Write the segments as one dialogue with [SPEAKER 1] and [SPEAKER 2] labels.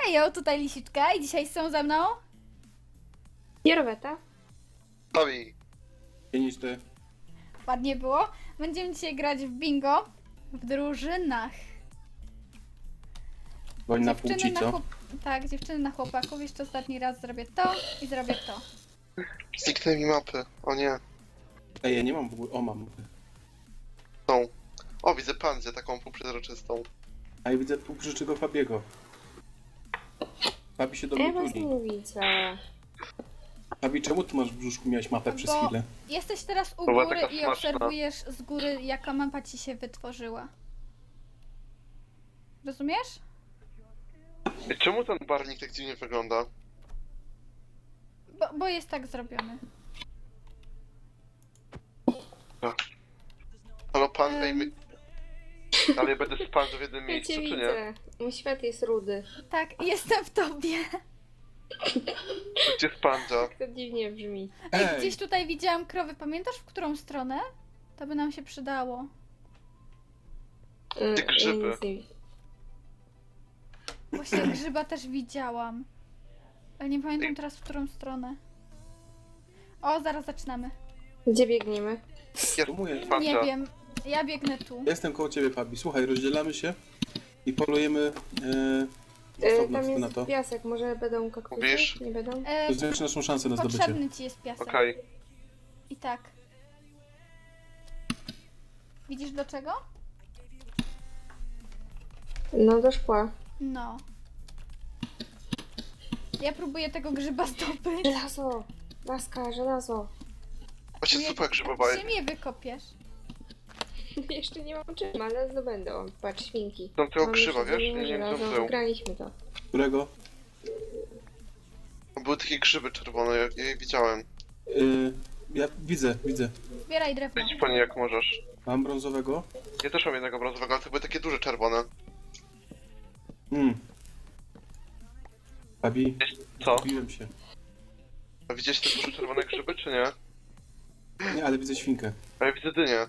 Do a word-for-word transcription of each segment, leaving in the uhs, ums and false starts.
[SPEAKER 1] Hejo, tutaj Lisiczka i dzisiaj są ze mną...
[SPEAKER 2] Jeroweta.
[SPEAKER 3] Bawi.
[SPEAKER 4] niż ty.
[SPEAKER 1] Ładnie było. Będziemy dzisiaj grać w bingo w drużynach.
[SPEAKER 4] Boń na płci,
[SPEAKER 1] na
[SPEAKER 4] co?
[SPEAKER 1] chłop... Tak, dziewczyny na chłopaków. Jeszcze ostatni raz zrobię to i zrobię to.
[SPEAKER 3] Zniknęły mi mapy. O nie.
[SPEAKER 4] Ej, ja nie mam w ogóle... O, mam.
[SPEAKER 3] Są. O, widzę pandzę taką półprzezroczystą.
[SPEAKER 4] A ja widzę półprzyczego Fabiego. Fabi się do
[SPEAKER 2] Ja
[SPEAKER 4] mnie
[SPEAKER 2] was
[SPEAKER 4] tuli.
[SPEAKER 2] nie widzę.
[SPEAKER 4] Fabi, czemu ty masz w brzuszku, miałeś mapę przez
[SPEAKER 1] Bo-
[SPEAKER 4] chwilę?
[SPEAKER 1] Jesteś teraz u
[SPEAKER 3] była
[SPEAKER 1] góry
[SPEAKER 3] taka
[SPEAKER 1] i
[SPEAKER 3] smaczna.
[SPEAKER 1] obserwujesz z góry, jaka mapa ci się wytworzyła. Rozumiesz?
[SPEAKER 3] Ej, czemu ten barwnik tak dziwnie wygląda?
[SPEAKER 1] Bo, bo jest tak zrobiony.
[SPEAKER 3] Halo pan, ej,
[SPEAKER 1] Em.
[SPEAKER 3] my... Ale ja będę z pandzą w jednym
[SPEAKER 2] Ja
[SPEAKER 3] miejscu,
[SPEAKER 2] cię
[SPEAKER 3] czy nie?
[SPEAKER 2] widzę. Mój świat jest rudy.
[SPEAKER 1] Tak, jestem w tobie.
[SPEAKER 3] Gdzie jest pandza?
[SPEAKER 2] To dziwnie brzmi.
[SPEAKER 1] Ej,
[SPEAKER 4] Ej!
[SPEAKER 1] gdzieś tutaj widziałam krowy. Pamiętasz, w którą stronę? To by nam się przydało.
[SPEAKER 2] Mm,
[SPEAKER 3] Te grzyby.
[SPEAKER 2] ja nic nie widzę.
[SPEAKER 1] Właśnie grzyba też widziałam. Ale nie pamiętam teraz, w którą stronę. O, zaraz zaczynamy.
[SPEAKER 2] Gdzie biegniemy?
[SPEAKER 3] Jest
[SPEAKER 4] Próbuję.
[SPEAKER 3] pandza.
[SPEAKER 1] Nie wiem. Ja biegnę tu.
[SPEAKER 4] Jestem koło ciebie, Fabi. Słuchaj, rozdzielamy się i polujemy e,
[SPEAKER 2] E,
[SPEAKER 4] osobno,
[SPEAKER 2] tam
[SPEAKER 4] co ty na
[SPEAKER 2] jest
[SPEAKER 4] to.
[SPEAKER 2] piasek. Może będą kaktusy?
[SPEAKER 3] Mówisz?
[SPEAKER 2] Nie będą?
[SPEAKER 1] E,
[SPEAKER 4] To zwiększy naszą szansę na zdobycie.
[SPEAKER 1] potrzebny ci jest piasek.
[SPEAKER 3] Okej.
[SPEAKER 1] I tak. Widzisz do czego?
[SPEAKER 2] No do szkła.
[SPEAKER 1] No. Ja próbuję tego grzyba zdobyć.
[SPEAKER 2] Żelazo! Laska, żelazo!
[SPEAKER 3] Właśnie
[SPEAKER 1] Nie-
[SPEAKER 3] zupa grzybowa.
[SPEAKER 1] Gdzie mnie wykopiesz?
[SPEAKER 2] Jeszcze nie mam czym, ale zdobędę. O, patrz, świnki.
[SPEAKER 3] Tam tego
[SPEAKER 2] Mam
[SPEAKER 3] grzyba,
[SPEAKER 2] jeszcze
[SPEAKER 3] wiesz?
[SPEAKER 2] jedno
[SPEAKER 3] Nie wiem, co
[SPEAKER 2] żelazo.
[SPEAKER 3] był.
[SPEAKER 2] Wygraliśmy to.
[SPEAKER 4] Którego?
[SPEAKER 3] Były takie grzyby czerwone, ja, ja je widziałem.
[SPEAKER 4] Y, ja widzę, widzę.
[SPEAKER 1] Zbieraj drewno.
[SPEAKER 3] Wejdź po nie jak możesz.
[SPEAKER 4] Mam brązowego.
[SPEAKER 3] Ja też mam jednego brązowego, ale to były takie duże czerwone.
[SPEAKER 4] Mm. Fabi,
[SPEAKER 3] Co?
[SPEAKER 4] zgubiłem się.
[SPEAKER 3] A widziałeś te duże czerwone grzyby, czy nie?
[SPEAKER 4] Nie, ale widzę świnkę.
[SPEAKER 3] A ja widzę dynię.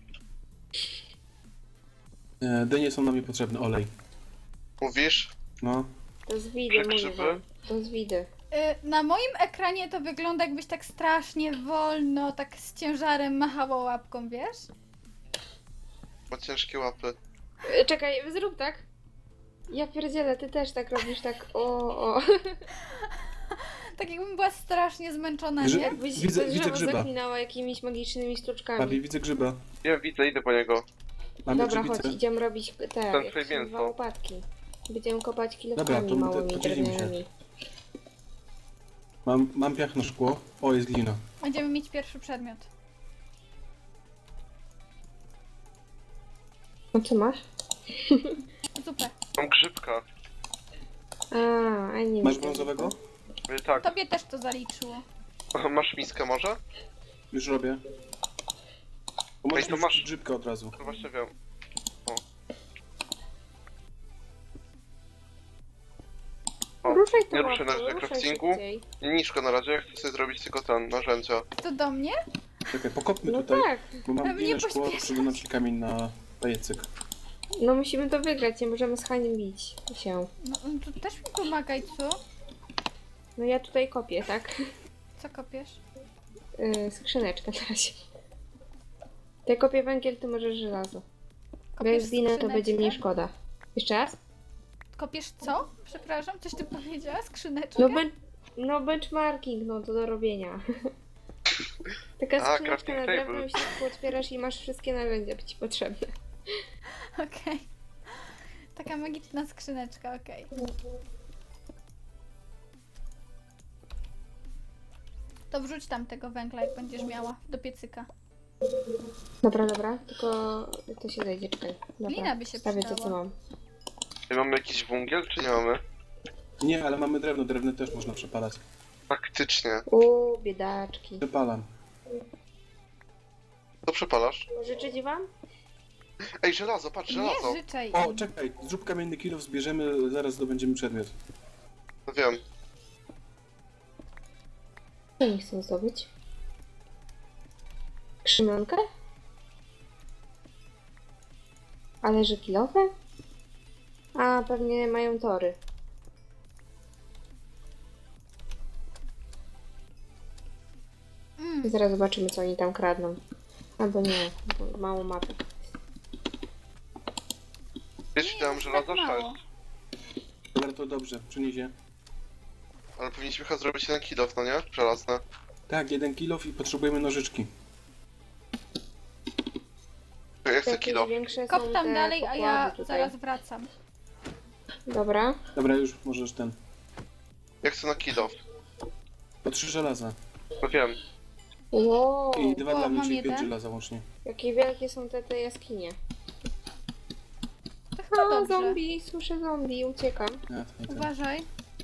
[SPEAKER 4] E, dynie są nam niepotrzebne, olej.
[SPEAKER 3] Mówisz?
[SPEAKER 4] No.
[SPEAKER 2] To z widy, mówię
[SPEAKER 3] Grzyby?
[SPEAKER 2] wam. To z widy.
[SPEAKER 1] Y, na moim ekranie to wygląda, jakbyś tak strasznie wolno, tak z ciężarem machała łapką, wiesz?
[SPEAKER 3] Ma ciężkie łapy.
[SPEAKER 2] E, Czekaj, zrób tak. Ja pierdzielę, ty też tak robisz, tak o, o.
[SPEAKER 1] Tak jakbym była strasznie zmęczona,
[SPEAKER 4] Grzyb-
[SPEAKER 1] nie?
[SPEAKER 2] Jakbyś
[SPEAKER 4] Widzę-
[SPEAKER 2] to
[SPEAKER 4] widzę
[SPEAKER 2] drzewo
[SPEAKER 4] grzyba.
[SPEAKER 2] zaklinała jakimiś magicznymi sztuczkami.
[SPEAKER 4] Fabi, widzę grzyba.
[SPEAKER 3] Ja widzę, idę po niego.
[SPEAKER 4] Mamy
[SPEAKER 2] Dobra, chodź,
[SPEAKER 4] grzybicę.
[SPEAKER 2] idziemy robić te,
[SPEAKER 3] Ten
[SPEAKER 2] jak
[SPEAKER 3] twoje
[SPEAKER 2] się nazywa,
[SPEAKER 3] mięso.
[SPEAKER 2] łopatki. Będziemy kopać
[SPEAKER 4] Dobra,
[SPEAKER 2] kilofami
[SPEAKER 4] to my te-
[SPEAKER 2] małymi
[SPEAKER 4] podzielimy się.
[SPEAKER 2] drewnianymi.
[SPEAKER 4] Mam, mam piach na szkło. O, jest glina.
[SPEAKER 1] Będziemy mieć pierwszy przedmiot.
[SPEAKER 2] No co masz?
[SPEAKER 1] Zupę.
[SPEAKER 3] Mam grzybka.
[SPEAKER 2] A, a nie
[SPEAKER 4] Masz
[SPEAKER 2] widzę.
[SPEAKER 4] brązowego?
[SPEAKER 3] Mówię, tak.
[SPEAKER 1] Tobie też to zaliczyło.
[SPEAKER 3] Masz miskę może?
[SPEAKER 4] Już robię. Bo możesz
[SPEAKER 3] Ej, to
[SPEAKER 4] mi
[SPEAKER 3] masz-
[SPEAKER 4] wrzucić grzybkę od razu.
[SPEAKER 3] No właśnie wiem. O,
[SPEAKER 2] Ruszaj to
[SPEAKER 3] nie ruszę na, na
[SPEAKER 2] ruszaj
[SPEAKER 3] craftingu.
[SPEAKER 2] szybciej.
[SPEAKER 3] Nie niszko na razie, ja chcę sobie zrobić tylko ten, narzędzia.
[SPEAKER 1] To do mnie?
[SPEAKER 4] Czekaj, pokopmy
[SPEAKER 2] No
[SPEAKER 4] tutaj,
[SPEAKER 2] tak,
[SPEAKER 4] bo mam
[SPEAKER 1] Ale mnie
[SPEAKER 4] glinę szkło,
[SPEAKER 1] pośpieszasz.
[SPEAKER 4] żeby nam się kamień na pajecyk.
[SPEAKER 2] no musimy to wygrać, nie możemy z Haniem bić się.
[SPEAKER 1] No no to też mi pomagaj, co?
[SPEAKER 2] No ja tutaj kopię, tak?
[SPEAKER 1] Co kopiesz?
[SPEAKER 2] Yy, skrzyneczkę na razie. To ja kopię węgiel, ty możesz żelazo. Bo jak
[SPEAKER 1] Kopiesz
[SPEAKER 2] zginę, to
[SPEAKER 1] skrzyneczkę?
[SPEAKER 2] będzie mniej szkoda. Jeszcze raz?
[SPEAKER 1] Kopiesz co? Przepraszam, coś ty powiedziała? Skrzyneczkę?
[SPEAKER 2] No, ben no benchmarking, no to do robienia. Taka
[SPEAKER 3] A,
[SPEAKER 2] skrzyneczka
[SPEAKER 3] crafting
[SPEAKER 2] na drewno
[SPEAKER 3] table.
[SPEAKER 2] i się otwierasz i masz wszystkie narzędzia ci potrzebne.
[SPEAKER 1] Okej. Taka magiczna skrzyneczka, okej. To wrzuć tam tego węgla, jak będziesz miała, do piecyka.
[SPEAKER 2] Dobra, dobra, tylko to się zejdzie, czekaj. Dobra,
[SPEAKER 1] Glina by się
[SPEAKER 2] stawię to, co
[SPEAKER 1] przydała.
[SPEAKER 2] mam.
[SPEAKER 3] I mamy jakiś węgiel, czy nie mamy?
[SPEAKER 4] Nie, ale mamy drewno, drewno też można przepalać.
[SPEAKER 3] Faktycznie.
[SPEAKER 2] Uuu, biedaczki.
[SPEAKER 4] Przepalam.
[SPEAKER 3] To przepalasz?
[SPEAKER 2] Życzyć wam?
[SPEAKER 3] Ej, żelazo, patrz, żelazo.
[SPEAKER 1] Nie życzaj.
[SPEAKER 4] O, czekaj, zrób kamienny kilo, zbierzemy, zaraz zdobędziemy przedmiot.
[SPEAKER 3] No wiem.
[SPEAKER 2] Co nie chcę zdobyć? Krzymionkę? Ale że kilowe? A, pewnie mają tory.
[SPEAKER 1] Mm.
[SPEAKER 2] Zaraz zobaczymy, co oni tam kradną. Albo nie, bo mało mapy.
[SPEAKER 3] Wiesz, ile mam
[SPEAKER 1] jest
[SPEAKER 3] żelaza?
[SPEAKER 1] tak mało.
[SPEAKER 3] sześć.
[SPEAKER 4] Dobra, to dobrze, przyniesie.
[SPEAKER 3] Ale powinniśmy chyba zrobić jeden kilof, no nie? Żelazne.
[SPEAKER 4] Tak, jeden kilof i potrzebujemy nożyczki.
[SPEAKER 3] Ja chcę
[SPEAKER 2] Jakieś
[SPEAKER 3] kilof.
[SPEAKER 2] większe
[SPEAKER 1] Kop
[SPEAKER 2] są
[SPEAKER 1] tam
[SPEAKER 2] te
[SPEAKER 1] dalej, a
[SPEAKER 2] pokłady
[SPEAKER 1] ja
[SPEAKER 2] tutaj.
[SPEAKER 1] zaraz wracam.
[SPEAKER 2] Dobra.
[SPEAKER 4] Dobra, już możesz ten.
[SPEAKER 3] Ja chcę na kilof.
[SPEAKER 4] Po trzy żelaza.
[SPEAKER 3] No wiem.
[SPEAKER 2] Wow,
[SPEAKER 4] I dwa
[SPEAKER 1] O,
[SPEAKER 4] dla mnie,
[SPEAKER 1] mam
[SPEAKER 4] czyli pięć
[SPEAKER 1] jeden.
[SPEAKER 4] żelaza łącznie.
[SPEAKER 2] jakie wielkie są te, te jaskinie.
[SPEAKER 1] To chyba
[SPEAKER 2] A,
[SPEAKER 1] dobrze.
[SPEAKER 2] zombie, słyszę zombie, uciekam.
[SPEAKER 4] Ja, to, to.
[SPEAKER 1] Uważaj.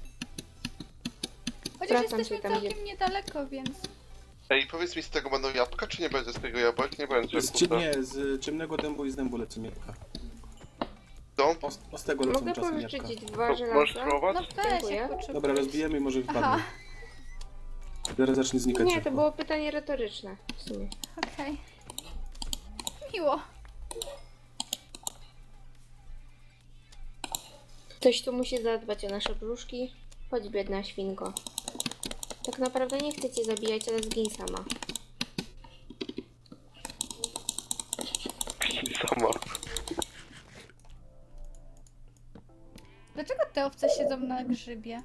[SPEAKER 1] Chociaż
[SPEAKER 2] Wracam
[SPEAKER 1] jesteśmy
[SPEAKER 2] się tam,
[SPEAKER 1] całkiem niedaleko, więc...
[SPEAKER 3] Ej, powiedz mi, z tego będą jabłka, czy nie będzie z tego jabłek? Nie będzie,
[SPEAKER 4] Z,
[SPEAKER 3] kurde.
[SPEAKER 4] nie, z ciemnego dębu i z dębu lecą jabłka.
[SPEAKER 3] Co?
[SPEAKER 4] O, o z tego lecą
[SPEAKER 2] Mogę
[SPEAKER 4] czasem
[SPEAKER 2] pożyczyć
[SPEAKER 4] jabłka.
[SPEAKER 2] ci dwa
[SPEAKER 3] To
[SPEAKER 2] żelaza?
[SPEAKER 3] możesz spróbować?
[SPEAKER 1] No weź,
[SPEAKER 2] Dziękuję.
[SPEAKER 1] jak potrzebujesz.
[SPEAKER 4] Dobra, rozbijemy i może
[SPEAKER 1] Aha,
[SPEAKER 4] wypadnie. Zaraz zacznie znikać
[SPEAKER 2] Nie, to
[SPEAKER 4] szybko.
[SPEAKER 2] było pytanie retoryczne w sumie.
[SPEAKER 1] okej. Miło.
[SPEAKER 2] Ktoś tu musi zadbać o nasze brzuszki. Chodź, biedna świnko. Tak naprawdę nie chcę cię zabijać, ale zgiń sama.
[SPEAKER 3] Sama.
[SPEAKER 1] Dlaczego te owce siedzą na grzybie?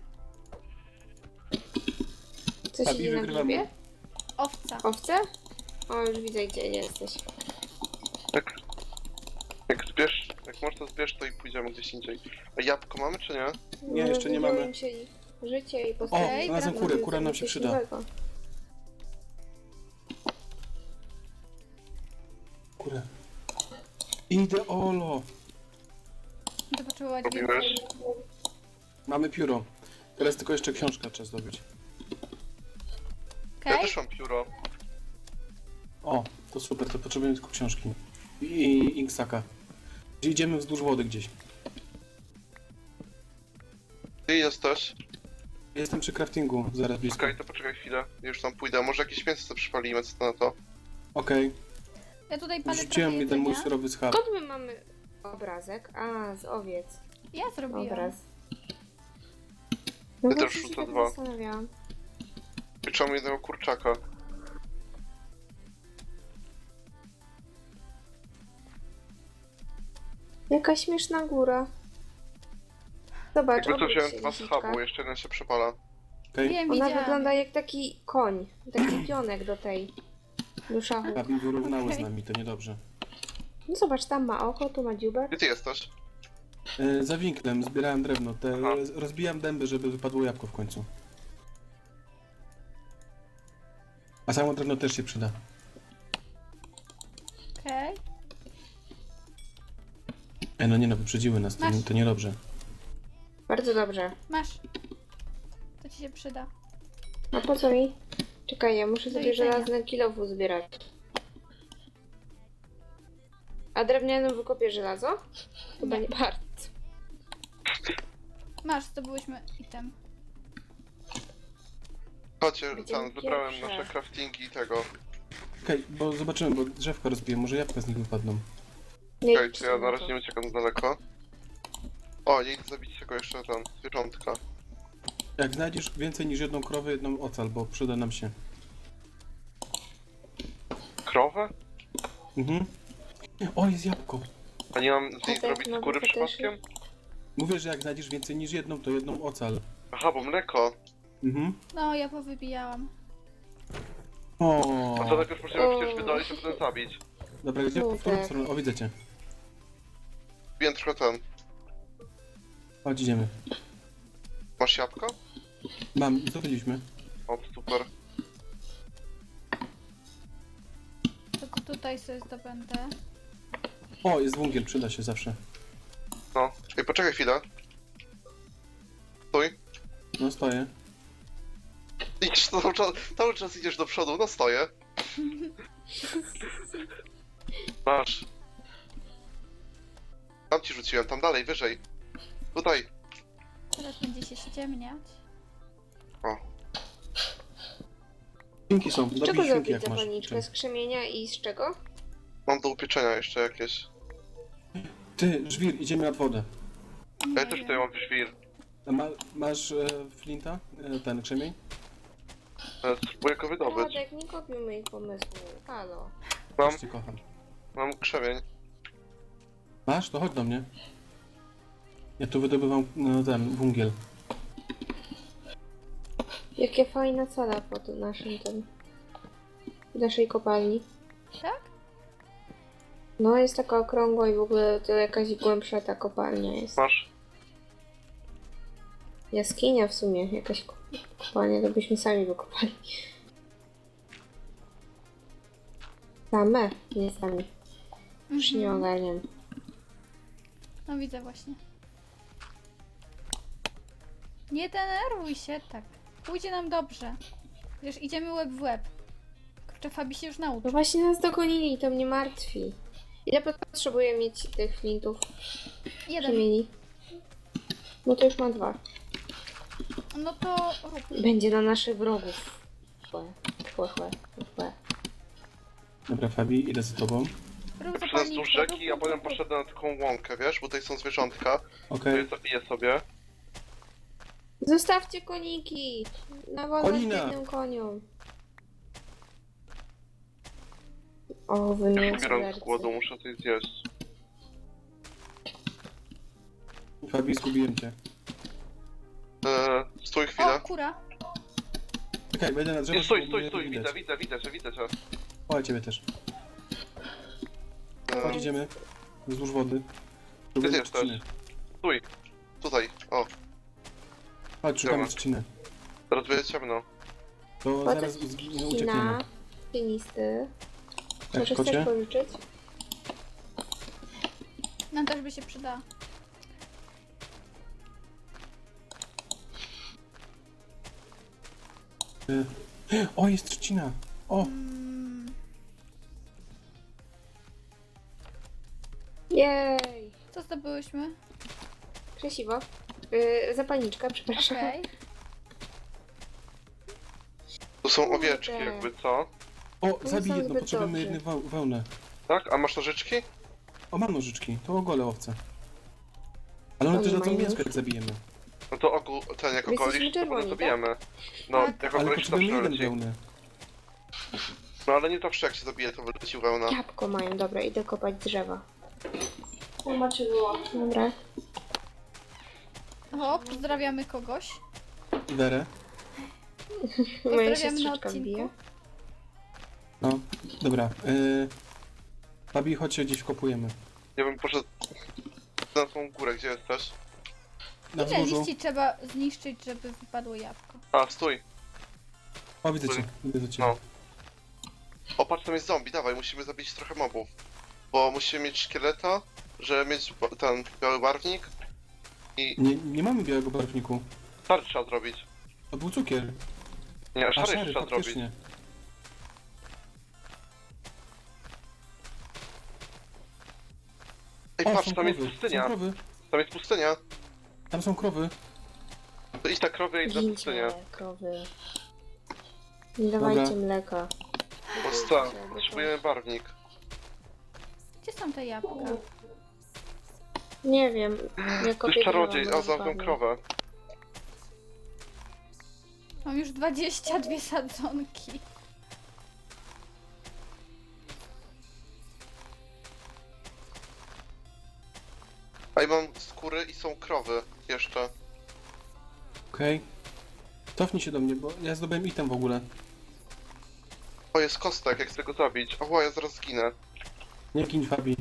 [SPEAKER 2] Co
[SPEAKER 4] Fabi,
[SPEAKER 2] siedzi na
[SPEAKER 4] wygrywamy.
[SPEAKER 2] grzybie?
[SPEAKER 1] Owca.
[SPEAKER 2] Owce? O, już widzę, gdzie jesteś.
[SPEAKER 3] Tak. Jak zbierz, jak możesz to zbierz, to i pójdziemy gdzieś indziej. A jabłko mamy, czy nie?
[SPEAKER 4] Nie, jeszcze nie mamy.
[SPEAKER 2] Rozwijają się ich życie i
[SPEAKER 4] O,
[SPEAKER 2] postawię.
[SPEAKER 4] znalazłem kurę, kura nam się przyda. Kurę. Ideolo!
[SPEAKER 1] To potrzebować
[SPEAKER 3] Robiłeś?
[SPEAKER 1] więcej.
[SPEAKER 4] Mamy pióro. Teraz tylko jeszcze książkę trzeba zdobyć.
[SPEAKER 3] Ja
[SPEAKER 1] Okej?
[SPEAKER 3] też mam pióro.
[SPEAKER 4] O, to super, to potrzebujemy tylko książki. I, i inksaka. Gdzie idziemy wzdłuż wody gdzieś.
[SPEAKER 3] Ty jesteś?
[SPEAKER 4] Jestem przy craftingu, zaraz blisko.
[SPEAKER 3] Okej, to poczekaj chwilę. Ja już tam pójdę. Może jakieś mięso sobie przypalimy, co to na to?
[SPEAKER 4] Okej,
[SPEAKER 1] Ja tutaj palę
[SPEAKER 4] rzuciłem
[SPEAKER 1] trochę
[SPEAKER 4] jeden mój
[SPEAKER 1] jedzenia.
[SPEAKER 4] surowy schab.
[SPEAKER 2] Skąd my mamy obrazek? A, z owiec.
[SPEAKER 1] Ja zrobiłam.
[SPEAKER 2] Obraz. No
[SPEAKER 3] Ja
[SPEAKER 2] właśnie
[SPEAKER 3] też
[SPEAKER 2] się
[SPEAKER 3] rzucę
[SPEAKER 2] tak
[SPEAKER 3] dwa.
[SPEAKER 2] zastanawiałam.
[SPEAKER 3] Pieczamy jednego kurczaka.
[SPEAKER 2] Jaka śmieszna góra. Zobacz,
[SPEAKER 3] Jakby to
[SPEAKER 2] obróć
[SPEAKER 3] wziąłem
[SPEAKER 2] się,
[SPEAKER 3] dwa
[SPEAKER 2] lisiczka.
[SPEAKER 3] schabu, jeszcze jeden się przepala.
[SPEAKER 4] Okej,
[SPEAKER 1] Wiem,
[SPEAKER 2] Ona
[SPEAKER 1] widziałam.
[SPEAKER 2] wygląda jak taki koń. Taki pionek do tej. Do szachu.
[SPEAKER 4] Fabi wyrównały z
[SPEAKER 1] Okej.
[SPEAKER 4] nami, to niedobrze.
[SPEAKER 2] No zobacz, tam ma oko, tu ma dziubek.
[SPEAKER 3] Gdzie ty jesteś?
[SPEAKER 4] E, za winklem zbierałem drewno, te,
[SPEAKER 3] Aha.
[SPEAKER 4] rozbijam dęby, żeby wypadło jabłko w końcu. A samo drewno też się przyda.
[SPEAKER 1] Okej.
[SPEAKER 4] E, no nie no, wyprzedziły nas, to,
[SPEAKER 1] Masz.
[SPEAKER 4] to niedobrze.
[SPEAKER 2] Bardzo dobrze.
[SPEAKER 1] Masz. To ci się przyda.
[SPEAKER 2] A po co mi? Czekaj, ja muszę
[SPEAKER 1] Do
[SPEAKER 2] sobie
[SPEAKER 1] jedzenia.
[SPEAKER 2] żelazne kilofu zbierać. A drewnianym wykopię żelazo? Chyba
[SPEAKER 1] Nie.
[SPEAKER 2] nie bardzo.
[SPEAKER 1] Masz, zdobyłyśmy item.
[SPEAKER 3] Chodźcie,
[SPEAKER 2] Gdzie
[SPEAKER 3] tam wybrałem
[SPEAKER 2] pierwsze?
[SPEAKER 3] nasze craftingi i tego.
[SPEAKER 4] Okej, bo zobaczymy, bo drzewka rozbiję, może jabłka z nich wypadną.
[SPEAKER 2] Nie
[SPEAKER 3] Okej,
[SPEAKER 2] idź
[SPEAKER 3] to ja na
[SPEAKER 2] na
[SPEAKER 3] razie
[SPEAKER 2] to.
[SPEAKER 3] nie uciekam za daleko. O, nie idę zabić tego jeszcze ten, zwierzątka.
[SPEAKER 4] Jak znajdziesz więcej niż jedną krowę, jedną ocal, bo przyda nam się.
[SPEAKER 3] Krowę?
[SPEAKER 4] Mhm. O, jest jabłko.
[SPEAKER 3] A nie mam z niej
[SPEAKER 2] tak,
[SPEAKER 3] zrobić
[SPEAKER 2] no,
[SPEAKER 3] skóry
[SPEAKER 2] to też
[SPEAKER 3] przypadkiem?
[SPEAKER 4] Mówię, że jak znajdziesz więcej niż jedną, to jedną ocal.
[SPEAKER 3] Aha, bo mleko.
[SPEAKER 4] Mhm.
[SPEAKER 1] No, ja powybijałam.
[SPEAKER 4] O.
[SPEAKER 3] A to najpierw musimy
[SPEAKER 2] O.
[SPEAKER 3] przecież wydalić, a potem zabić.
[SPEAKER 4] Dobra, gdzie? W
[SPEAKER 2] Kurde.
[SPEAKER 4] którą stronę? O, widzę cię.
[SPEAKER 3] Wiem trochę ten.
[SPEAKER 4] Chodź, idziemy.
[SPEAKER 3] Masz jabłko?
[SPEAKER 4] Mam, zdobyliśmy.
[SPEAKER 3] O, super.
[SPEAKER 1] To tutaj sobie zdobędę.
[SPEAKER 4] O, jest węgiel, przyda się zawsze.
[SPEAKER 3] No. Ej, poczekaj chwilę. Stój.
[SPEAKER 4] No, stoję.
[SPEAKER 3] Idziesz cały czas, cały czas idziesz do przodu, no stoję. Masz. Tam ci rzuciłem, tam dalej, wyżej. Tutaj.
[SPEAKER 1] Teraz będzie się ściemniać.
[SPEAKER 3] O.
[SPEAKER 4] Świnki są,
[SPEAKER 2] Z
[SPEAKER 4] dobij
[SPEAKER 2] czego
[SPEAKER 4] świnki
[SPEAKER 2] zrobić
[SPEAKER 4] jak masz.
[SPEAKER 2] zapalniczkę? Z krzemienia i z czego?
[SPEAKER 3] Mam do upieczenia jeszcze jakieś.
[SPEAKER 4] Ty, żwir, idziemy nad wodę.
[SPEAKER 1] Nie
[SPEAKER 3] Ja też
[SPEAKER 1] wiem.
[SPEAKER 3] tutaj mam świr.
[SPEAKER 4] A Ma, masz e, flinta? E, ten krzemień?
[SPEAKER 3] E, Spróbuję go wydobyć.
[SPEAKER 2] Radek, nie kopiuj moich pomysłów. Halo.
[SPEAKER 3] Mam,
[SPEAKER 4] Też cię kocham.
[SPEAKER 3] mam krzewień.
[SPEAKER 4] Masz? To chodź do mnie. Ja tu wydobywam no, ten węgiel.
[SPEAKER 2] Jakie fajna cela pod naszym tym... w naszej kopalni.
[SPEAKER 1] Tak?
[SPEAKER 2] No, jest taka okrągła i w ogóle to jakaś głębsza ta kopalnia jest.
[SPEAKER 3] Masz?
[SPEAKER 2] Jaskinia w sumie, jakaś ko- kopalnia, to byśmy sami wykopali. Same, nie sami. Już nie
[SPEAKER 1] Mhm.
[SPEAKER 2] ogarniam.
[SPEAKER 1] No widzę właśnie. Nie denerwuj się, tak. Pójdzie nam dobrze. Wiesz, idziemy łeb w łeb. Kurczę, Fabi się już
[SPEAKER 2] No
[SPEAKER 1] nauczy.
[SPEAKER 2] właśnie nas dogonili, to mnie martwi. Ile potrzebuję mieć tych flintów?
[SPEAKER 1] Jeden.
[SPEAKER 2] Przemieni. No to już mam dwa.
[SPEAKER 1] No to rób.
[SPEAKER 2] Będzie na naszych wrogów. Chłe, chłe, chłe, chłe.
[SPEAKER 4] Dobra, Fabi, idę za tobą.
[SPEAKER 1] Rób
[SPEAKER 3] Przez
[SPEAKER 1] zapalniczkę,
[SPEAKER 3] wzdłuż rzeki,
[SPEAKER 1] rób,
[SPEAKER 3] a
[SPEAKER 1] rób,
[SPEAKER 3] potem
[SPEAKER 1] rób, rób.
[SPEAKER 3] poszedłem na taką łąkę, wiesz? Bo tutaj są zwierzątka. To
[SPEAKER 4] Okej.
[SPEAKER 3] je zabiję sobie.
[SPEAKER 2] Zostawcie koniki! Na wolność
[SPEAKER 4] Konina!
[SPEAKER 2] biednym koniom. O, wy
[SPEAKER 3] Już
[SPEAKER 2] mięso
[SPEAKER 3] umieram z
[SPEAKER 2] żercy.
[SPEAKER 3] głodu, muszę coś zjeść.
[SPEAKER 4] Fabi, zgubiłem cię.
[SPEAKER 3] Eee, stój
[SPEAKER 1] O,
[SPEAKER 3] chwilę.
[SPEAKER 1] kura.
[SPEAKER 4] Czekaj, będę na drzewo.
[SPEAKER 3] Nie, stój,
[SPEAKER 4] żeby
[SPEAKER 3] stój,
[SPEAKER 4] mnie
[SPEAKER 3] stój,
[SPEAKER 4] widać.
[SPEAKER 3] widzę, widzę, widzę cię, widzę cię.
[SPEAKER 4] O, ciebie też. Chodź,
[SPEAKER 3] Eee,
[SPEAKER 4] idziemy. Wzdłuż wody.
[SPEAKER 3] Ty
[SPEAKER 4] Szukamy
[SPEAKER 3] jesteś.
[SPEAKER 4] trzciny.
[SPEAKER 3] stój. Tutaj, o,
[SPEAKER 4] Chodź, szukamy
[SPEAKER 3] Dobra.
[SPEAKER 4] trzciny.
[SPEAKER 3] teraz będzie ciemno.
[SPEAKER 4] To
[SPEAKER 2] Kocie
[SPEAKER 4] zaraz z- z-
[SPEAKER 2] Kina,
[SPEAKER 4] uciekniemy.
[SPEAKER 2] cienisty.
[SPEAKER 4] Tak,
[SPEAKER 2] Może
[SPEAKER 4] kocie?
[SPEAKER 2] chcesz pożyczyć?
[SPEAKER 1] Nam też by się przydała.
[SPEAKER 4] Y, O, jest trzcina. O,
[SPEAKER 1] Mm,
[SPEAKER 2] Jej!
[SPEAKER 1] co zdobyłyśmy?
[SPEAKER 2] Krzesiwo. Yy, zapalniczka, przepraszam.
[SPEAKER 1] Okej.
[SPEAKER 3] Tu są
[SPEAKER 2] Kurde.
[SPEAKER 3] owieczki jakby, co?
[SPEAKER 4] o,
[SPEAKER 2] są
[SPEAKER 4] zabij jedno,
[SPEAKER 2] zbyt
[SPEAKER 4] potrzebujemy
[SPEAKER 2] dobrzy.
[SPEAKER 4] jedną weł- wełnę.
[SPEAKER 3] Tak? A masz nożyczki?
[SPEAKER 4] O, mam nożyczki, to ogolę owce. Ale one
[SPEAKER 2] Oni
[SPEAKER 4] też dadzą
[SPEAKER 2] mają
[SPEAKER 4] mięsko,
[SPEAKER 2] nóż?
[SPEAKER 4] jak zabijemy.
[SPEAKER 3] No to ogół, ten jak
[SPEAKER 2] My jesteśmy
[SPEAKER 3] ogolisz, to
[SPEAKER 2] czerwoni,
[SPEAKER 3] potem zabijemy. No,
[SPEAKER 1] Tak.
[SPEAKER 3] jak
[SPEAKER 4] Ale
[SPEAKER 3] ogolisz, to
[SPEAKER 4] potrzebujemy jeden
[SPEAKER 3] przyleci.
[SPEAKER 4] wełny.
[SPEAKER 3] No ale nie zawsze jak się zabije, to wyleci wełna.
[SPEAKER 2] Jabłko mają, dobra, idę kopać drzewa. Dobra.
[SPEAKER 1] O, pozdrawiamy kogoś.
[SPEAKER 4] Werę.
[SPEAKER 2] Moja
[SPEAKER 1] Pozdrawiamy na
[SPEAKER 2] siostrzyczka
[SPEAKER 1] odcinku.
[SPEAKER 2] wbije.
[SPEAKER 4] No, dobra. Y... Fabi, chodź się gdzieś wkopujemy.
[SPEAKER 3] Ja bym poszedł na tą górę, gdzie jesteś.
[SPEAKER 4] Na
[SPEAKER 1] Ile
[SPEAKER 4] wzgórzu.
[SPEAKER 1] liści trzeba zniszczyć, żeby wypadło jabłko?
[SPEAKER 3] A, stój.
[SPEAKER 4] O, widzę cię, widzę cię.
[SPEAKER 3] No. O, patrz, tam jest zombie, dawaj, musimy zabić trochę mobów. Bo musimy mieć szkieleta, żeby mieć ba- ten biały barwnik. I
[SPEAKER 4] Nie, nie mamy białego barwniku.
[SPEAKER 3] szary trzeba zrobić.
[SPEAKER 4] To był cukier.
[SPEAKER 3] Nie,
[SPEAKER 4] A
[SPEAKER 3] szary,
[SPEAKER 4] szary,
[SPEAKER 3] trzeba zrobić.
[SPEAKER 4] faktycznie.
[SPEAKER 3] Ej,
[SPEAKER 4] O,
[SPEAKER 3] patrz,
[SPEAKER 4] są
[SPEAKER 3] tam jest
[SPEAKER 4] krowy, są
[SPEAKER 3] pustynia.
[SPEAKER 4] krowy.
[SPEAKER 3] Tam jest pustynia.
[SPEAKER 4] Tam są krowy.
[SPEAKER 3] To idź na krowy i idź na pustynię.
[SPEAKER 2] Gincie, krowy. Nie dawajcie
[SPEAKER 4] Dobra.
[SPEAKER 2] mleka.
[SPEAKER 3] Bo co? Potrzebujemy barwnik.
[SPEAKER 1] Gdzie są te jabłka?
[SPEAKER 2] Nie wiem. Ja
[SPEAKER 3] To
[SPEAKER 2] kopię
[SPEAKER 3] jest czarodziej,
[SPEAKER 2] drzewa,
[SPEAKER 3] a
[SPEAKER 2] może
[SPEAKER 3] za tą
[SPEAKER 2] padnie.
[SPEAKER 3] krowę.
[SPEAKER 1] Mam już dwadzieścia dwie sadzonki.
[SPEAKER 3] A i mam skóry i są krowy jeszcze.
[SPEAKER 4] Okej. Cofnij się do mnie, bo ja zdobyłem item w ogóle.
[SPEAKER 3] O, jest kostek, jak chcę go zabić. O, ja zaraz zginę.
[SPEAKER 4] Nie kiń Fabi.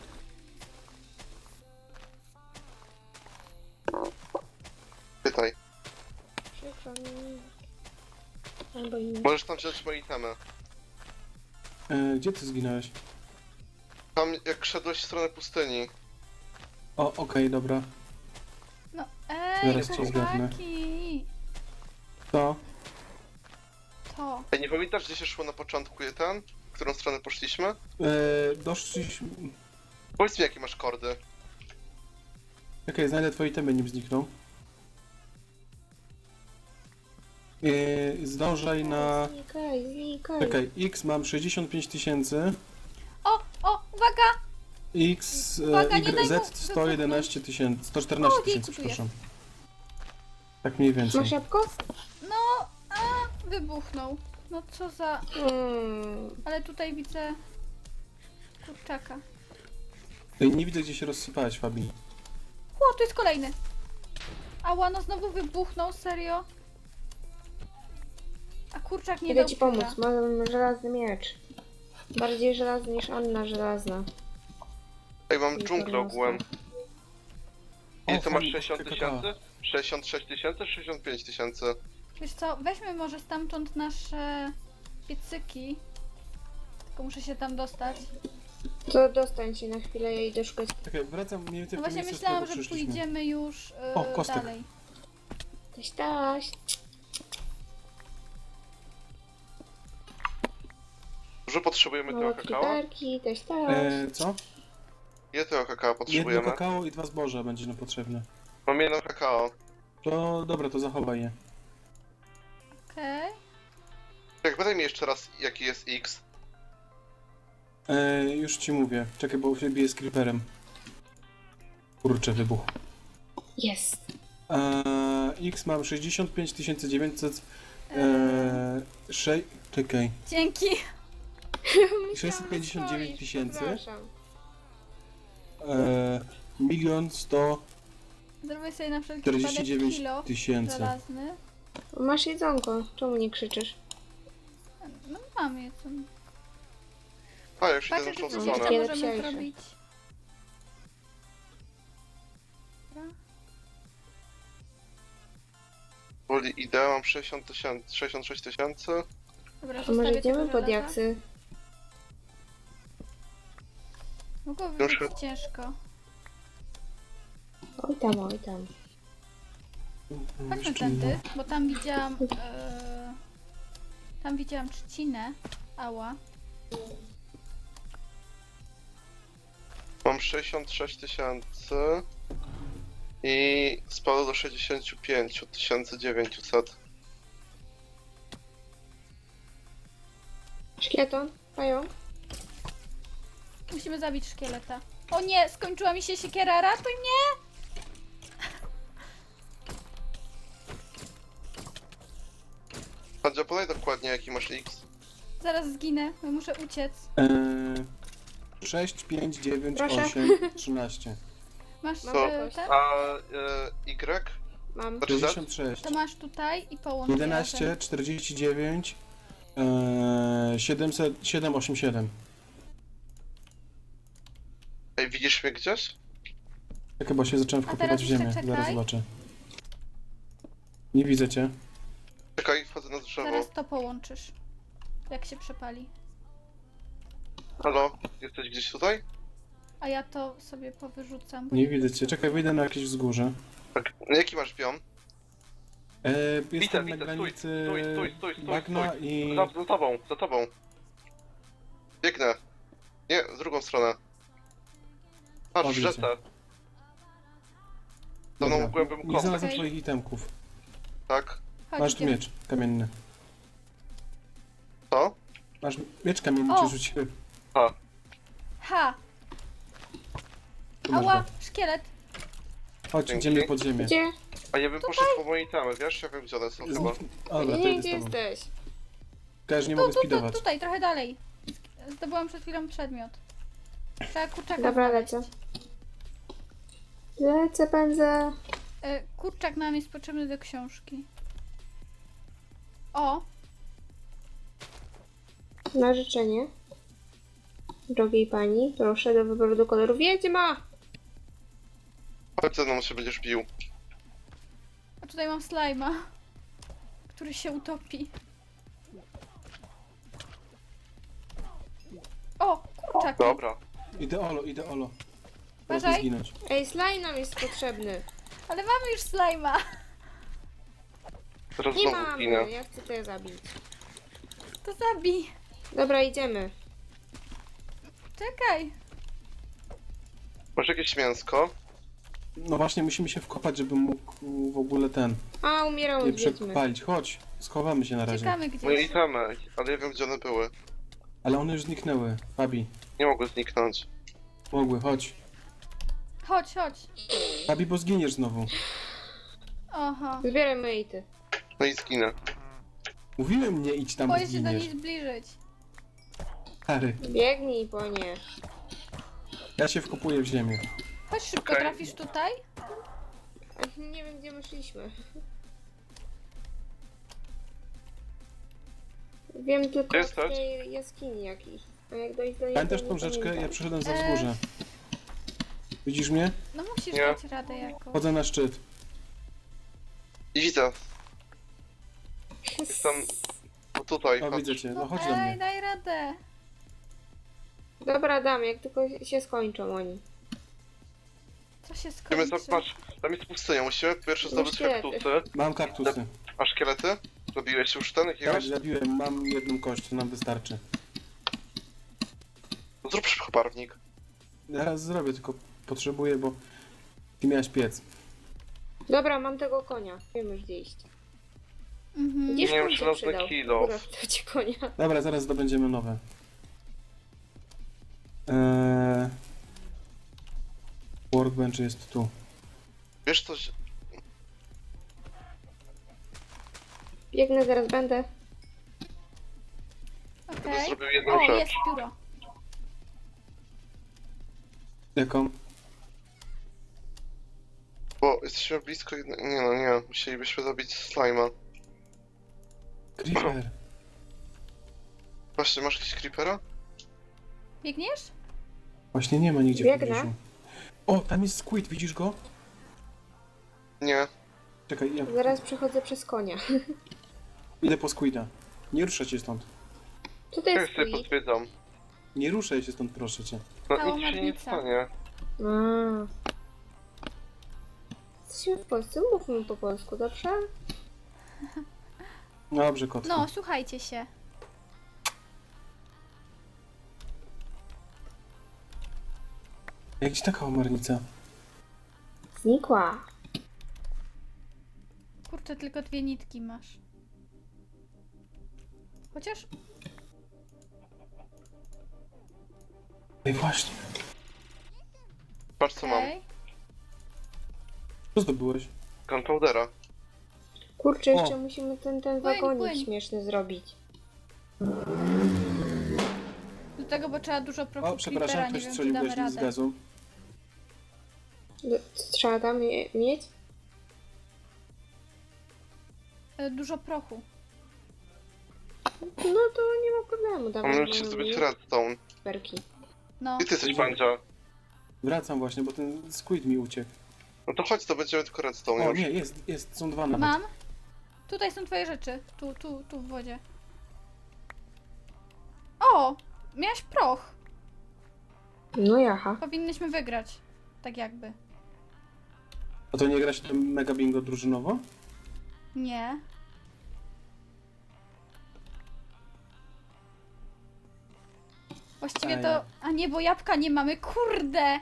[SPEAKER 3] Pytaj.
[SPEAKER 2] Przykro mi. Albo i nie.
[SPEAKER 3] Możesz tam wziąć moje itemy.
[SPEAKER 4] E, gdzie ty zginąłeś?
[SPEAKER 3] Tam jak szedłeś w stronę pustyni.
[SPEAKER 4] O, okej, dobra.
[SPEAKER 1] No ej,
[SPEAKER 4] Zaraz cię zgadnę.
[SPEAKER 1] chłopaki!
[SPEAKER 4] To.
[SPEAKER 1] To.
[SPEAKER 3] Ej, nie pamiętasz, gdzie się szło na początku ten? W którą stronę poszliśmy?
[SPEAKER 4] E, doszliśmy...
[SPEAKER 3] Powiedz mi, jakie masz kordy.
[SPEAKER 4] Okej, znajdę twoje itemy, nim znikną. E, zdążaj na...
[SPEAKER 2] Znikaj, znikaj.
[SPEAKER 4] Czekaj, X mam sześćdziesiąt pięć tysięcy.
[SPEAKER 1] O, o, uwaga!
[SPEAKER 4] X, e,
[SPEAKER 1] Uwaga, nie daj
[SPEAKER 4] Y,
[SPEAKER 1] mu
[SPEAKER 4] Z sto jedenaście tysięcy, sto
[SPEAKER 1] O,
[SPEAKER 4] czternaście
[SPEAKER 1] dzięki,
[SPEAKER 4] tysięcy,
[SPEAKER 1] tu jest.
[SPEAKER 4] przepraszam. Tak mniej więcej.
[SPEAKER 2] Masz jabłko?
[SPEAKER 1] No, a, wybuchnął. No co za...
[SPEAKER 2] Mm.
[SPEAKER 1] Ale tutaj widzę... kurczaka.
[SPEAKER 4] Ej, nie widzę, gdzie się rozsypałeś, Fabi.
[SPEAKER 1] O, tu jest kolejny. Ała, no znowu wybuchnął, serio? A kurczak nie
[SPEAKER 2] Idę
[SPEAKER 1] dał
[SPEAKER 2] ci
[SPEAKER 1] pika.
[SPEAKER 2] pomóc, mam żelazny miecz. Bardziej żelazny niż Anna żelazna.
[SPEAKER 3] Ej, mam
[SPEAKER 2] Nie
[SPEAKER 3] dżunglę
[SPEAKER 2] podniosę.
[SPEAKER 3] ogółem. Ile
[SPEAKER 4] O,
[SPEAKER 3] to masz?
[SPEAKER 4] fajnie,
[SPEAKER 3] sześćdziesiąt
[SPEAKER 4] kakao.
[SPEAKER 3] tysięcy? sześćdziesiąt sześć tysięcy? sześćdziesiąt pięć tysięcy?
[SPEAKER 1] Wiesz co, weźmy może stamtąd nasze piecyki. Tylko muszę się tam dostać.
[SPEAKER 2] To dostań się na chwilę, ja idę szukać.
[SPEAKER 4] Czekaj, wracam mniej więcej
[SPEAKER 1] No
[SPEAKER 4] w to
[SPEAKER 1] właśnie
[SPEAKER 4] miejsce, z
[SPEAKER 1] myślałam,
[SPEAKER 4] którego
[SPEAKER 1] że
[SPEAKER 4] przyszliśmy.
[SPEAKER 1] pójdziemy już yy,
[SPEAKER 4] O, kostek.
[SPEAKER 1] dalej.
[SPEAKER 2] Taś, taś.
[SPEAKER 3] Dużo potrzebujemy tego
[SPEAKER 2] Małe
[SPEAKER 3] kakao?
[SPEAKER 2] kliperki, taś, taś.
[SPEAKER 4] E, co?
[SPEAKER 3] Ile tego kakao
[SPEAKER 4] Jedno
[SPEAKER 3] potrzebujemy?
[SPEAKER 4] kakao i dwa zboża będzie nam potrzebne.
[SPEAKER 3] Mam jedno kakao.
[SPEAKER 4] To dobra, to zachowaj je.
[SPEAKER 1] Okej.
[SPEAKER 3] Jak podaj mi jeszcze raz, jaki jest X.
[SPEAKER 4] E, już ci mówię. Czekaj, bo się biję z creeperem. Kurczę, wybuch.
[SPEAKER 2] Jest.
[SPEAKER 4] E, X mam sześćdziesiąt pięć tysięcy dziewięćset. E, sze... Czekaj.
[SPEAKER 1] Dzięki.
[SPEAKER 4] sześćset pięćdziesiąt dziewięć tysięcy.
[SPEAKER 2] Przepraszam.
[SPEAKER 4] E, milion sto
[SPEAKER 1] Zrobię sobie na wszelki
[SPEAKER 4] czterdzieści
[SPEAKER 1] wypadek
[SPEAKER 4] dziewięć
[SPEAKER 1] kilo
[SPEAKER 4] tysięcy.
[SPEAKER 1] żelazny.
[SPEAKER 2] Masz jedzonko, czemu nie krzyczysz?
[SPEAKER 1] No mam je tu.
[SPEAKER 3] A, już idę
[SPEAKER 1] Patrzę,
[SPEAKER 3] na
[SPEAKER 1] czy
[SPEAKER 3] tą
[SPEAKER 1] coś
[SPEAKER 3] stronę.
[SPEAKER 1] jeszcze
[SPEAKER 2] Wiele
[SPEAKER 1] możemy
[SPEAKER 2] psiajsze.
[SPEAKER 1] zrobić. Dobra.
[SPEAKER 3] Woli idę, mam sześćdziesiąt tysięcy, sześćdziesiąt sześć tysięcy.
[SPEAKER 1] Dobra,
[SPEAKER 2] A
[SPEAKER 1] zostawię
[SPEAKER 2] może idziemy
[SPEAKER 1] tego
[SPEAKER 2] pod
[SPEAKER 1] żelaza.
[SPEAKER 2] jaksy?
[SPEAKER 1] Mogłoby
[SPEAKER 3] Już-
[SPEAKER 1] być ciężko.
[SPEAKER 2] Oj tam, oj tam.
[SPEAKER 1] Chodźmy tędy, bo tam widziałam... E, tam widziałam trzcinę. Ała.
[SPEAKER 3] Mam sześćdziesiąt sześć tysięcy. I spadło do sześćdziesiąt pięć tysięcy dziewięćset.
[SPEAKER 2] Szkieton, pająk.
[SPEAKER 1] Musimy zabić szkieleta. O nie, skończyła mi się siekiera, ratuj mnie!
[SPEAKER 3] Hadzia, podaj dokładnie jaki masz X.
[SPEAKER 1] Zaraz zginę, bo muszę uciec.
[SPEAKER 4] E, sześć, pięć, dziewięć,
[SPEAKER 2] Proszę.
[SPEAKER 4] osiem, trzynaście.
[SPEAKER 1] Masz
[SPEAKER 2] Mam
[SPEAKER 1] e,
[SPEAKER 2] jakoś.
[SPEAKER 1] ten?
[SPEAKER 3] A e, Y?
[SPEAKER 2] Mam.
[SPEAKER 3] Znaczy Z?
[SPEAKER 4] sześćdziesiąt sześć.
[SPEAKER 1] To masz tutaj i połącz je
[SPEAKER 4] jedenaście,
[SPEAKER 1] razem.
[SPEAKER 4] czterdzieści dziewięć, e, siedemset, siedem, osiem, siedem.
[SPEAKER 3] Ej, widzisz mnie gdzieś?
[SPEAKER 4] Tak chyba się zacząłem
[SPEAKER 1] A
[SPEAKER 4] wkopywać
[SPEAKER 1] teraz
[SPEAKER 4] w ziemię.
[SPEAKER 1] jeszcze
[SPEAKER 4] Zaraz
[SPEAKER 1] czekaj.
[SPEAKER 4] zobaczę. Nie widzę cię.
[SPEAKER 3] Czekaj, wchodzę na drzewo.
[SPEAKER 1] Zaraz to połączysz. Jak się przepali.
[SPEAKER 3] Halo, jesteś gdzieś tutaj?
[SPEAKER 1] A ja to sobie powyrzucam. bo
[SPEAKER 4] Nie widzę cię. Czekaj, wyjdę na jakieś wzgórze.
[SPEAKER 3] Tak. Jaki masz biom?
[SPEAKER 4] E,
[SPEAKER 3] Widzę,
[SPEAKER 4] jestem
[SPEAKER 3] widzę,
[SPEAKER 4] na
[SPEAKER 3] stój,
[SPEAKER 4] granicy
[SPEAKER 3] stój, stój, stój, stój,
[SPEAKER 4] bagna
[SPEAKER 3] stój.
[SPEAKER 4] i...
[SPEAKER 3] Za, za tobą, za tobą. Biegnę. Nie, w drugą stronę. Patrz,
[SPEAKER 4] O,
[SPEAKER 3] w
[SPEAKER 4] widzę.
[SPEAKER 3] rzece. Za mną
[SPEAKER 4] Dobra.
[SPEAKER 3] głębym
[SPEAKER 4] Nie
[SPEAKER 3] kątem,
[SPEAKER 4] znalazłem
[SPEAKER 1] Okej.
[SPEAKER 4] twoich itemków.
[SPEAKER 3] tak?
[SPEAKER 1] Chodź,
[SPEAKER 4] Masz tu
[SPEAKER 1] idziemy.
[SPEAKER 4] miecz kamienny.
[SPEAKER 3] Co?
[SPEAKER 4] Masz miecz kamienny,
[SPEAKER 1] O!
[SPEAKER 4] ci rzuciłem.
[SPEAKER 3] A,
[SPEAKER 1] Ha!
[SPEAKER 4] Tu masz
[SPEAKER 1] Ała!
[SPEAKER 4] go.
[SPEAKER 1] Szkielet!
[SPEAKER 4] Chodź,
[SPEAKER 3] Dzięki.
[SPEAKER 4] idziemy pod ziemię.
[SPEAKER 2] Gdzie?
[SPEAKER 3] a ja bym poszedł po moje itemy, wiesz? Ja wiem gdzie one są chyba.
[SPEAKER 4] Znik... O, dobra, to
[SPEAKER 2] Nie,
[SPEAKER 4] idę
[SPEAKER 2] gdzie
[SPEAKER 4] z tobą.
[SPEAKER 2] jesteś?
[SPEAKER 4] Każ, nie
[SPEAKER 1] Tu,
[SPEAKER 4] mogę
[SPEAKER 1] tu, tu,
[SPEAKER 4] speedować.
[SPEAKER 1] tutaj, trochę dalej. Zdobyłam przed chwilą przedmiot. Trzeba kurczaka
[SPEAKER 2] Dobra,
[SPEAKER 1] znaleźć.
[SPEAKER 2] lecę. Lecę, pędzę.
[SPEAKER 1] E, kurczak nam jest potrzebny do książki. O!
[SPEAKER 2] Na życzenie. Drogiej pani, proszę do wyboru do koloru wiedźma!
[SPEAKER 3] Chodź ze mną się będziesz bił.
[SPEAKER 1] A tutaj mam slajma, który się utopi. O! Kurczak!
[SPEAKER 3] Dobra.
[SPEAKER 4] Idę olo, idę olo. Teraz
[SPEAKER 1] Uważaj.
[SPEAKER 4] nie zginąć.
[SPEAKER 2] Ej, slime nam jest potrzebny.
[SPEAKER 1] Ale mamy już slajma!
[SPEAKER 3] Teraz
[SPEAKER 2] Nie
[SPEAKER 3] znowu
[SPEAKER 2] mamy,
[SPEAKER 3] zginę.
[SPEAKER 2] ja chcę to zabić.
[SPEAKER 1] To zabij!
[SPEAKER 2] Dobra, idziemy.
[SPEAKER 1] Czekaj!
[SPEAKER 3] Masz jakieś mięsko?
[SPEAKER 4] No właśnie, musimy się wkopać, żeby mógł w ogóle ten...
[SPEAKER 2] A, umierały
[SPEAKER 4] Nie
[SPEAKER 2] wiedźmy.
[SPEAKER 4] przepalić. Chodź, schowamy się na razie.
[SPEAKER 1] Czekamy
[SPEAKER 3] Moje
[SPEAKER 1] gdzieś.
[SPEAKER 3] itemy, ale ja wiem gdzie one były.
[SPEAKER 4] Ale one już zniknęły. Fabi,
[SPEAKER 3] Nie mogły zniknąć.
[SPEAKER 4] mogły, chodź.
[SPEAKER 1] Chodź, chodź.
[SPEAKER 4] Fabi, bo zginiesz znowu.
[SPEAKER 1] Oho.
[SPEAKER 2] Zbieraj moje ity.
[SPEAKER 3] No i zginę.
[SPEAKER 4] Mówiłem, nie idź tam, bo
[SPEAKER 1] Boję się do niej
[SPEAKER 4] zginiesz.
[SPEAKER 1] zbliżyć.
[SPEAKER 4] Harry,
[SPEAKER 2] Biegnij po nie.
[SPEAKER 4] ja się wkopuję w ziemię.
[SPEAKER 1] Chodź szybko,
[SPEAKER 3] Okej.
[SPEAKER 1] trafisz tutaj?
[SPEAKER 2] Nie wiem, gdzie my szliśmy. Wiem tylko
[SPEAKER 3] Jest
[SPEAKER 2] z
[SPEAKER 3] coś?
[SPEAKER 2] tej jaskini jakiejś. A jak dojść do niej,
[SPEAKER 4] Pamiętasz
[SPEAKER 2] to
[SPEAKER 4] tą
[SPEAKER 2] nie
[SPEAKER 4] rzeczkę? Ja
[SPEAKER 2] pamiętam.
[SPEAKER 4] przyszedłem za
[SPEAKER 1] Eee.
[SPEAKER 4] wzgórze. Widzisz mnie?
[SPEAKER 1] No musisz
[SPEAKER 3] Nie.
[SPEAKER 1] dać radę jakoś.
[SPEAKER 4] Chodzę na szczyt.
[SPEAKER 3] I widzę. Tam... No tutaj,
[SPEAKER 4] O,
[SPEAKER 3] chodź.
[SPEAKER 4] widzę cię. No
[SPEAKER 1] No
[SPEAKER 4] chodź do
[SPEAKER 1] ej,
[SPEAKER 4] mnie.
[SPEAKER 1] daj radę.
[SPEAKER 2] Dobra, dam, jak tylko się skończą oni.
[SPEAKER 1] Co się
[SPEAKER 3] Musimy
[SPEAKER 1] skończy?
[SPEAKER 3] zobaczyć, tam jest pustynia, musimy pierwsze zdobyć
[SPEAKER 2] szkielety.
[SPEAKER 3] kaktusy.
[SPEAKER 4] Mam kaktusy.
[SPEAKER 3] A szkielety? Zabiłeś już ten
[SPEAKER 4] Tak,
[SPEAKER 3] jakiegoś?
[SPEAKER 4] zabiłem. Mam jedną kość, to nam wystarczy.
[SPEAKER 3] No zrób szybko barwnik.
[SPEAKER 4] Zaraz zrobię, tylko potrzebuję, bo ty miałeś piec.
[SPEAKER 2] Dobra, mam tego konia. Wiem już gdzie iść.
[SPEAKER 1] Mhm.
[SPEAKER 2] Gdzieś
[SPEAKER 3] Nie wiem,
[SPEAKER 2] koń
[SPEAKER 3] czy
[SPEAKER 2] się
[SPEAKER 3] nas
[SPEAKER 2] przydał.
[SPEAKER 3] na kilo.
[SPEAKER 2] Dobra, to ci konia.
[SPEAKER 4] Dobra, zaraz zdobędziemy nowe. Eee... Workbench jest tu.
[SPEAKER 3] Wiesz coś?
[SPEAKER 2] Biegnę, zaraz będę.
[SPEAKER 3] Będę
[SPEAKER 1] Okej.
[SPEAKER 3] zrobił jedną
[SPEAKER 1] O,
[SPEAKER 3] rzecz.
[SPEAKER 1] jest pióro.
[SPEAKER 4] Jaką?
[SPEAKER 3] Bo jesteśmy blisko jednego... Nie no, nie. Musielibyśmy zabić slime'a.
[SPEAKER 4] Creeper.
[SPEAKER 3] Właśnie, masz jakiś creepera?
[SPEAKER 1] Biegniesz?
[SPEAKER 4] Właśnie nie ma nigdzie w
[SPEAKER 2] Biegnę.
[SPEAKER 4] pobliżu. O, tam jest squid, widzisz go?
[SPEAKER 3] Nie.
[SPEAKER 4] Czekaj, ja
[SPEAKER 2] Zaraz przechodzę przez konia.
[SPEAKER 4] idę po squida. Nie ruszaj się stąd.
[SPEAKER 2] Tutaj
[SPEAKER 3] Ja
[SPEAKER 2] jest
[SPEAKER 3] sobie
[SPEAKER 2] squid.
[SPEAKER 3] pozwiedzam.
[SPEAKER 4] Nie ruszaj się stąd, proszę cię.
[SPEAKER 3] No
[SPEAKER 1] Cała
[SPEAKER 3] nic się nie
[SPEAKER 1] marnica.
[SPEAKER 3] stanie.
[SPEAKER 2] A. Jesteśmy w Polsce, mówmy po polsku, dobrze?
[SPEAKER 4] Dobrze, kotku.
[SPEAKER 1] No, słuchajcie się.
[SPEAKER 4] Jak ci taka omarnica?
[SPEAKER 2] Znikła.
[SPEAKER 1] Kurczę, tylko dwie nitki masz. Chociaż...
[SPEAKER 4] Ej, właśnie.
[SPEAKER 3] Patrz co mam.
[SPEAKER 1] Okej.
[SPEAKER 4] Co zdobyłeś?
[SPEAKER 3] Gunpowdera.
[SPEAKER 2] Kurczę,
[SPEAKER 4] O.
[SPEAKER 2] jeszcze musimy ten, ten
[SPEAKER 1] Płyń,
[SPEAKER 2] wagonik
[SPEAKER 1] płyń.
[SPEAKER 2] śmieszny zrobić.
[SPEAKER 1] Do tego, bo trzeba dużo prochu
[SPEAKER 4] O,
[SPEAKER 1] creepera,
[SPEAKER 4] przepraszam,
[SPEAKER 1] nie
[SPEAKER 4] ktoś
[SPEAKER 1] wiem, czy
[SPEAKER 4] strzelił
[SPEAKER 1] damy
[SPEAKER 4] gaśnik z
[SPEAKER 1] radę.
[SPEAKER 4] gazu.
[SPEAKER 2] Do- Co trzeba tam je- mieć?
[SPEAKER 1] E, Dużo prochu.
[SPEAKER 2] No to nie ma problemu, dawaj.
[SPEAKER 3] Mamy
[SPEAKER 2] mamy
[SPEAKER 3] się zdobyć
[SPEAKER 2] mniej
[SPEAKER 3] redstone.
[SPEAKER 2] perki.
[SPEAKER 1] No.
[SPEAKER 3] Gdzie ty jesteś, Bandzia?
[SPEAKER 4] Wracam właśnie, bo ten squid mi uciekł.
[SPEAKER 3] No to chodź, to będziemy tylko redstone
[SPEAKER 4] O,
[SPEAKER 3] już.
[SPEAKER 4] nie, jest, jest, są dwa nawet.
[SPEAKER 1] Mam. Tutaj są twoje rzeczy. Tu, tu, tu w wodzie. O! Miałaś proch.
[SPEAKER 2] No jaha.
[SPEAKER 1] Powinnyśmy wygrać. Tak jakby.
[SPEAKER 4] A to nie gra się tam mega bingo drużynowo?
[SPEAKER 1] Nie. Właściwie
[SPEAKER 4] A
[SPEAKER 1] to...
[SPEAKER 4] ja.
[SPEAKER 1] A nie, bo jabłka nie mamy. Kurde!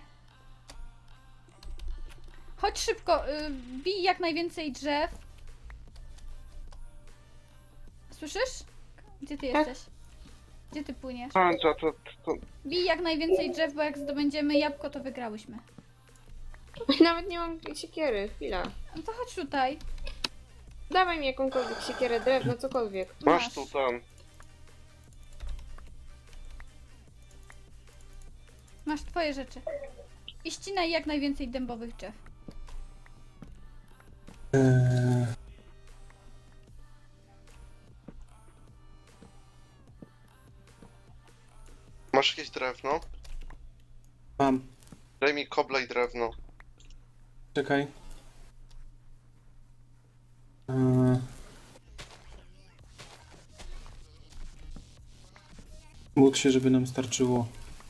[SPEAKER 1] Chodź szybko. Y, bij jak najwięcej drzew. Słyszysz? Gdzie ty
[SPEAKER 2] Tak.
[SPEAKER 1] jesteś? Gdzie ty płyniesz?
[SPEAKER 3] Bandzia, to, to...
[SPEAKER 1] Bij jak najwięcej drzew, bo jak zdobędziemy jabłko, to wygrałyśmy.
[SPEAKER 2] Nawet nie mam siekiery, chwila.
[SPEAKER 1] No to chodź tutaj.
[SPEAKER 2] Dawaj mi jakąkolwiek siekierę, drewno, cokolwiek.
[SPEAKER 3] Masz
[SPEAKER 1] Masz.
[SPEAKER 3] tu ten.
[SPEAKER 1] Masz twoje rzeczy. I ścinaj jak najwięcej dębowych drzew.
[SPEAKER 4] Eee,
[SPEAKER 3] Masz jakieś drewno?
[SPEAKER 4] mam.
[SPEAKER 3] Daj mi kobla i drewno.
[SPEAKER 4] Czekaj. Eee. Módl się, żeby nam starczyło.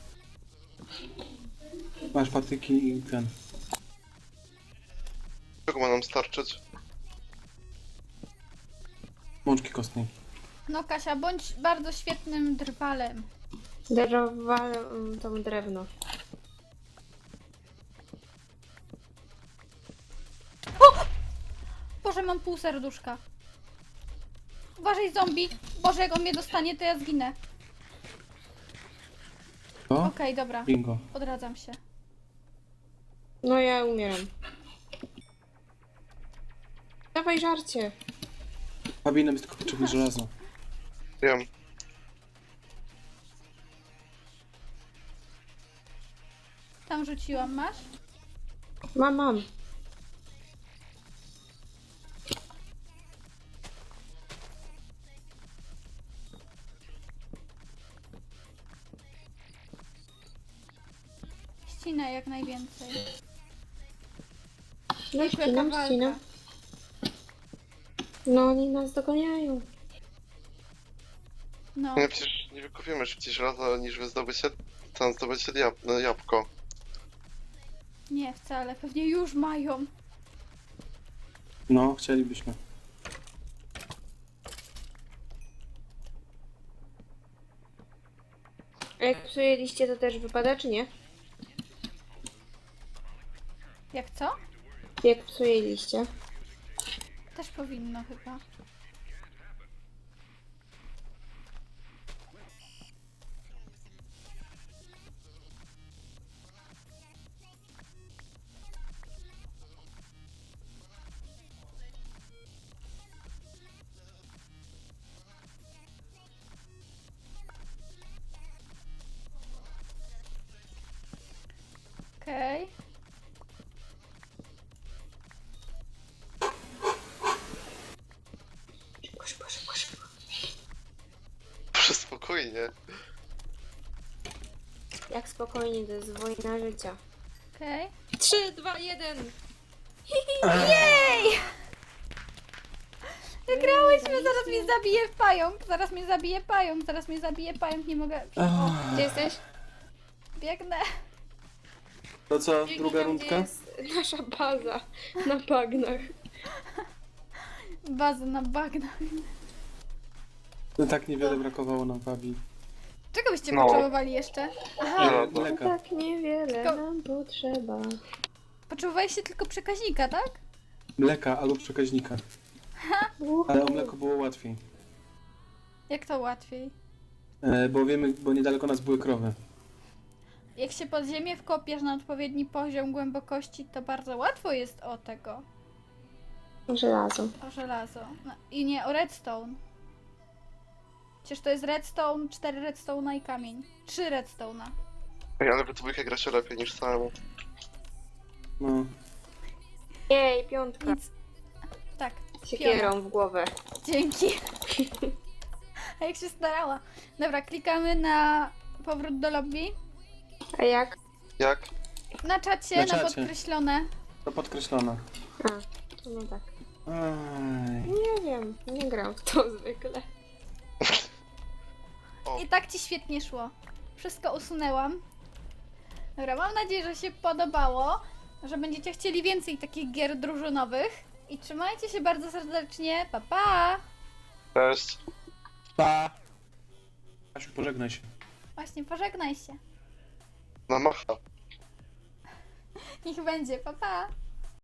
[SPEAKER 4] Masz patyki i ten.
[SPEAKER 3] Czego ma nam starczyć?
[SPEAKER 4] Mączki kostnej.
[SPEAKER 1] No Kasia, bądź bardzo świetnym drwalem.
[SPEAKER 2] Darowałem mm, to drewno.
[SPEAKER 1] Boże, mam pół serduszka. Uważaj, zombie. Boże, jak on mnie dostanie, to ja zginę.
[SPEAKER 4] To?
[SPEAKER 1] Okej, dobra.
[SPEAKER 4] Bingo.
[SPEAKER 1] Odradzam się.
[SPEAKER 2] No ja umieram. Dawaj żarcie.
[SPEAKER 4] Fabi, nam jest tylko potrzebne żelazo.
[SPEAKER 3] Wiem.
[SPEAKER 1] Tam rzuciłam, masz?
[SPEAKER 2] Mam, mam.
[SPEAKER 1] Ścinaj jak najwięcej.
[SPEAKER 2] No
[SPEAKER 1] Jaka
[SPEAKER 2] ścinam,
[SPEAKER 1] walka.
[SPEAKER 2] ścinam. No oni nas dogoniają.
[SPEAKER 1] No,
[SPEAKER 3] Nie, przecież nie wykupimy szybciej żelaza niż wy zdobycie, tam zdobycie jab no, jabłko.
[SPEAKER 1] nie wcale. Pewnie już mają.
[SPEAKER 4] No, chcielibyśmy.
[SPEAKER 2] A jak psuje liście, to też wypada, czy nie?
[SPEAKER 1] Jak co?
[SPEAKER 2] Jak psuje liście.
[SPEAKER 1] Też powinno chyba. Okej.
[SPEAKER 2] Szybko, szybko, szybko, szybko.
[SPEAKER 3] Proszę spokojnie.
[SPEAKER 2] Jak spokojnie, to jest wojna życia.
[SPEAKER 1] Okej.
[SPEAKER 2] trzy, dwa, jeden.
[SPEAKER 1] Jej! Wygrałyśmy, zaraz mnie zabije pająk, zaraz mnie zabije pająk, zaraz mnie zabije pająk, nie mogę... O,
[SPEAKER 2] Gdzie jesteś?
[SPEAKER 1] biegnę.
[SPEAKER 4] To co,
[SPEAKER 2] Biegnij
[SPEAKER 4] druga
[SPEAKER 2] tam,
[SPEAKER 4] rundka?
[SPEAKER 2] gdzie jest nasza baza na bagnach.
[SPEAKER 1] Bazę na bagnach.
[SPEAKER 4] No tak niewiele brakowało nam, Fabi.
[SPEAKER 1] Czego byście
[SPEAKER 3] No.
[SPEAKER 1] potrzebowali jeszcze? Aha,
[SPEAKER 3] Żelazo.
[SPEAKER 4] Mleka.
[SPEAKER 2] Tak niewiele
[SPEAKER 1] Tylko-
[SPEAKER 2] nam potrzeba.
[SPEAKER 1] potrzebowaliście tylko przekaźnika, tak?
[SPEAKER 4] Mleka albo przekaźnika. Ale o mleko było łatwiej.
[SPEAKER 1] Jak to łatwiej?
[SPEAKER 4] E, bo wiemy, bo niedaleko nas były krowy.
[SPEAKER 1] Jak się pod ziemię wkopiesz na odpowiedni poziom głębokości, to bardzo łatwo jest o tego,
[SPEAKER 2] Żelazo.
[SPEAKER 1] o żelazo. No, i nie o redstone. Przecież to jest redstone, cztery redstone'a i kamień. Trzy redstone'a.
[SPEAKER 3] Ej, ale we dwójkę gra się lepiej niż samemu.
[SPEAKER 4] No.
[SPEAKER 2] Jej, piątka.
[SPEAKER 1] Nic. Tak,
[SPEAKER 2] Siekierą w głowę.
[SPEAKER 1] dzięki. A jak się starała. Dobra, klikamy na powrót do lobby.
[SPEAKER 2] A jak?
[SPEAKER 3] Jak?
[SPEAKER 1] Na czacie,
[SPEAKER 4] Na
[SPEAKER 1] na,
[SPEAKER 4] czacie.
[SPEAKER 1] podkreślone.
[SPEAKER 4] To podkreślone.
[SPEAKER 2] A, no tak.
[SPEAKER 4] Aj.
[SPEAKER 2] Nie wiem, nie gram w to zwykle.
[SPEAKER 3] O,
[SPEAKER 1] I tak ci świetnie szło. Wszystko usunęłam. Dobra, mam nadzieję, że się podobało, że będziecie chcieli więcej takich gier drużynowych. I trzymajcie się bardzo serdecznie. Pa, pa!
[SPEAKER 3] cześć.
[SPEAKER 4] Pa! Asiu, pożegnaj się.
[SPEAKER 1] Właśnie, pożegnaj się.
[SPEAKER 3] Na macha.
[SPEAKER 1] Niech będzie. Pa, pa!